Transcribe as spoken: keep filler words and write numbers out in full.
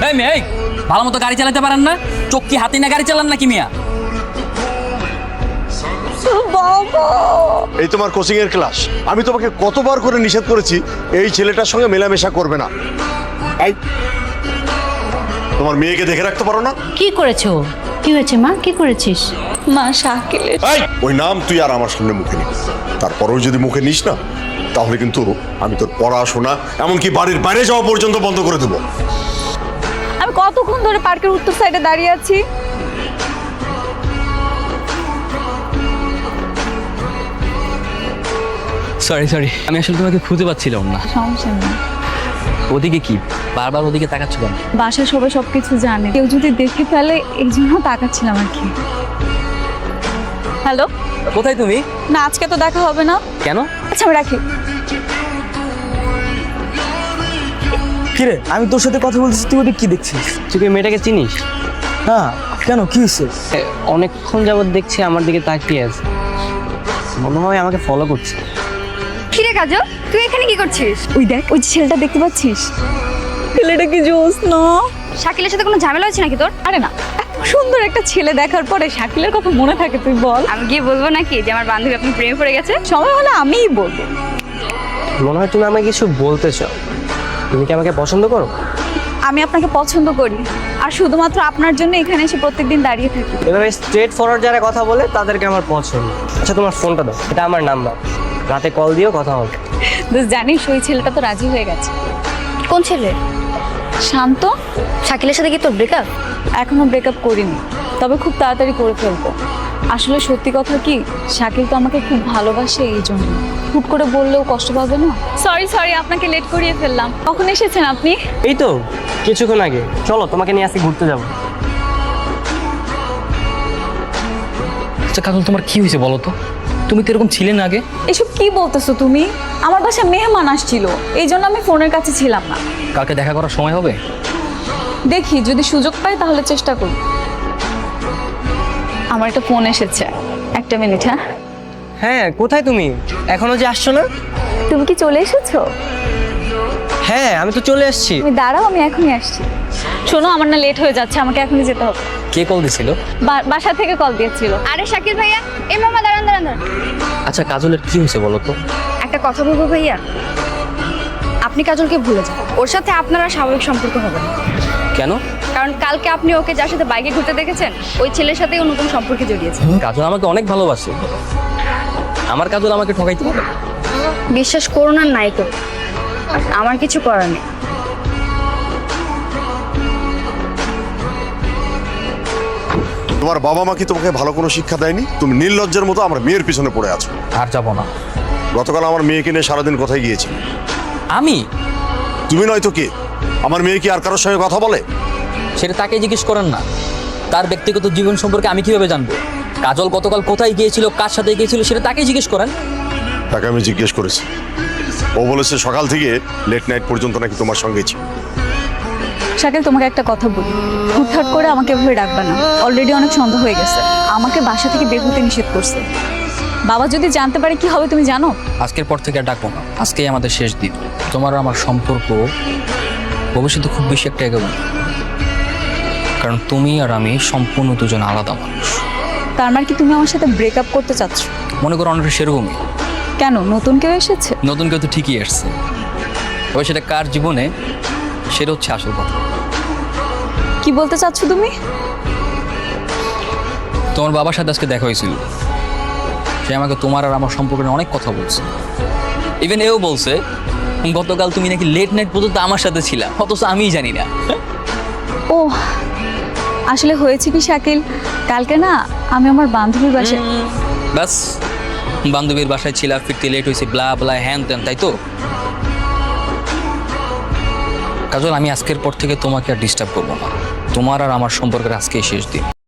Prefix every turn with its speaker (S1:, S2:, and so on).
S1: এই মেয়ে, এই ভালো মতো গাড়ি চালাতে পারেন না? চোখ কি হাতে না গাড়ি চালান নাকি মিয়া?
S2: এই তোমার কোচিং এর ক্লাস। আমি তোমাকে কতবার করে নিষেধ করেছি এই ছেলেটার সঙ্গে মেলামেশা করবে না। এই তোমার মেয়েকে দেখে রাখতে পারো না?
S3: কি করেছো? কি হয়েছে মা? কি করেছিস?
S4: মা শাকিলের
S2: এই ওই নাম তুই আর আমার সামনে মুখে নিস। তারপরেও যদি মুখে নিস না তাহলে কিন্তু আমি তোর পড়াশোনা এমনকি বাড়ির বাইরে যাওয়া পর্যন্ত বন্ধ করে দেবো।
S4: আমি কতক্ষণ ধরে পার্কের উত্তর সাইডে দাঁড়িয়ে আছি।
S1: সরি সরি, আমি আসলে তোমাকে খুঁজে পাচ্ছিলাম না।
S4: সমস্যা নেই।
S1: ওদিকে কি বারবার ওদিকে তাকাচ্ছ কেন?
S4: বাসায় সবাই সবকিছু জানে, কেউ যদি দেখে ফেলে এই জন্য তাকাচ্ছিলাম আর কি। হ্যালো,
S1: কোথায় তুমি?
S4: না আজকে তো দেখা হবে না।
S1: কেন?
S4: আচ্ছা আমি রাখি।
S5: কিরে, আমি তোর সাথে কথা বলতেছি, তুই ওদিকে কি দেখছিস?
S6: তুই কি মেয়েটাকে চিনিস?
S5: না, কেন, কি হয়েছে?
S6: এ, অনেকক্ষণ যাবত দেখছি আমার দিকে তাকিয়ে আছে, মনে হয় আমাকে ফলো করছে।
S4: কিরে কাজল, তুই এখানে কি করছিস? ওই দেখ, ওই যে ছেলেটা দেখতে পাচ্ছিস? ছেলেটা কি জোস না? শাকিলের সাথে কোনো ঝামেলা হচ্ছে নাকি তোর? আরে না, এত সুন্দর একটা ছেলে দেখার পরে শাকিলের কথা মনে থাকে তুই বল? আমি গিয়ে বলবো নাকি যে আমার বান্ধবী আপনি প্রেমে পড়ে গেছে? সময় হলে আমিই বলবো।
S6: মনে হয় তুমি আমাকে কিছু বলতে চাও। তুমি কি আমাকে পছন্দ করো?
S4: আমি আপনাকে পছন্দ করি, আর শুধুমাত্র আপনার জন্য এখানে এসে প্রত্যেকদিন দাঁড়িয়ে থাকি।
S6: এভাবে স্ট্রেট ফরওয়ার্ড যারা কথা বলে তাদেরকে আমার পছন্দ। আচ্ছা তোমার ফোনটা দাও, এটা আমার নাম্বার, রাতে কল দিও, কথা হবে।
S4: বেশ জানিস ওই ছেলেটা তো রাজি হয়ে গেছে।
S3: কোন ছেলে?
S4: শান্ত।
S3: শাকিলের সাথে কি তোর ব্রেকআপ?
S4: এখনো ব্রেকআপ করিনি, তবে খুব তাড়াতাড়ি করে ফেলবো। আসলে সত্যি কথা কি, শাকিল তো আমাকে খুব ভালোবাসে, এই জন্য হুট করে বললেও কষ্ট পাবে না। সরি সরি, আপনাকে লেট করিয়ে ফেললাম। কখন এসেছেন আপনি?
S6: এই তো কিছুক্ষণ আগে। চলো তোমাকে নিয়ে আজকে ঘুরতে যাবো।
S1: আচ্ছা কাজল, তোমার কি হয়েছে বলো তো? তুমি তো এরকম ছিলে না আগে।
S4: এসব কি বলতেছো তুমি? আমার বাসায় মেহমান আসছিল, এই জন্য আমি ফোনের কাছে ছিলাম না।
S1: কালকে দেখা করার সময় হবে?
S4: দেখি যদি সুযোগ পাই তাহলে চেষ্টা করি। আমার একটা ফোন এসেছে, একটা মিনিট। হ্যাঁ
S6: হ্যাঁ, কোথায় তুমি? এখনো যে আসছো না?
S4: তুমি কি চলে এসেছো?
S6: হ্যাঁ আমি তো চলে এসেছি।
S4: তুমি দাঁড়াও, আমি এখনই আসছি। শোনো, আমার না লেট হয়ে যাচ্ছে, আমাকে এখনই যেতে হবে।
S1: কে কল দিছিল?
S4: বা- বাসা থেকে কল দিয়েছিল।
S7: আরে শাকিল ভাইয়া, এই মামা দাঁড়ান দাঁড়ান দাঁড়ান।
S1: আচ্ছা কাজলের কি হয়েছে বলো তো?
S7: একটা কথা বলবো ভাইয়া, আপনি কাজলকে ভুলে যান। ওর সাথে আপনার আর স্বাভাবিক সম্পর্ক হবে না।
S1: কেন?
S7: কারণ কালকে আপনি ওকে যার সাথে বাইকে ঘুরতে দেখেছেন, ওই ছেলের সাথেই ও নতুন সম্পর্কে জড়িয়েছে।
S1: কাজল আমাকে অনেক ভালোবাসে, আমার কাজল আমাকে ঠকাইতে পারে?
S7: বিশ্বাস করুন আর নাই করুন, আমার কিছু করার নেই।
S2: তোমার বাবা মা কি তোমাকে ভালো কোনো শিক্ষা দেয়নি? তুমি নির্লজ্জের মতো আমার মেয়ের পিছনে পড়ে আছো।
S1: আর যাবো না।
S2: গতকাল আমার মেয়েকে নিয়ে সারাদিন কোথায় গিয়েছি?
S1: আমি?
S2: তুমি নয়তো কে? আমার মেয়ে কি আর কারোর সঙ্গে কথা বলে?
S1: সেটা তাকে জিজ্ঞেস করেন না। তার ব্যক্তিগত জীবন সম্পর্কে আমি কিভাবে জানবো? কাজল গতকাল কোথায় গিয়েছিল, কার সাথে গিয়েছিল, সেটা তাকেই জিজ্ঞেস করেন।
S2: তাকে আমি জিজ্ঞেস করেছি, ও বলেছে সকাল থেকে লেট নাইট পর্যন্ত নাকি তোমার সঙ্গেই ছিল।
S4: শাকিল, তোমাকে একটা কথা বলি, হুটহাট করে আমাকে এভাবে ডাকবা না। অলরেডি অনেক সন্দেহ হয়ে গেছে, আমাকে বাসা থেকে বের হতে নিষেধ করছে। বাবা যদি জানতে পারে কি হবে তুমি জানো?
S1: আজকের পর থেকে আর ডাকবো না, আজকেই আমাদের শেষ দিন। তোমার আর আমার সম্পর্ক ভবিষ্যতে খুব বেশি একটা এগোবে না, কারণ তুমি আর আমি সম্পূর্ণ দুজন আলাদা মানুষ।
S4: তার মানে কি তুমি আমার সাথে ব্রেকআপ করতে চাচ্ছ?
S1: মনে করো অনেকটা সেরকমই।
S4: কেন, নতুন কেউ এসেছে?
S1: নতুন কেউ তো ঠিকই আসছে, তবে সেটা কার জীবনে সেটা হচ্ছে আসল কথা।
S4: কি বলতে চাচ্ছ তুমি?
S1: তোমার বাবার সাথে আজকে দেখা হয়েছিল, সে আমাকে তোমার আর আমার সম্পর্কে অনেক কথা বলছে। ইভেন এও বলছে গতকাল তুমি নাকি লেট নাইট পর্যন্ত আমার সাথে ছিলা, অথচ আমিই জানি না।
S4: ও আসলে হয়েছে কি শাকিল, কালকে না আমি আমার বান্ধবীর বাসায়।
S1: ব্যাস, বান্ধবীর বাসায় ছিলা, ফিরতে লেট হয়েছে, ব্লা ব্লা হ্যান ত্যান, তাই তো? কাজল, আমি আজকের পর থেকে তোমাকে আর ডিস্টার্ব করবো না। তোমার আর আমার সম্পর্কের আজকেই শেষ দিন।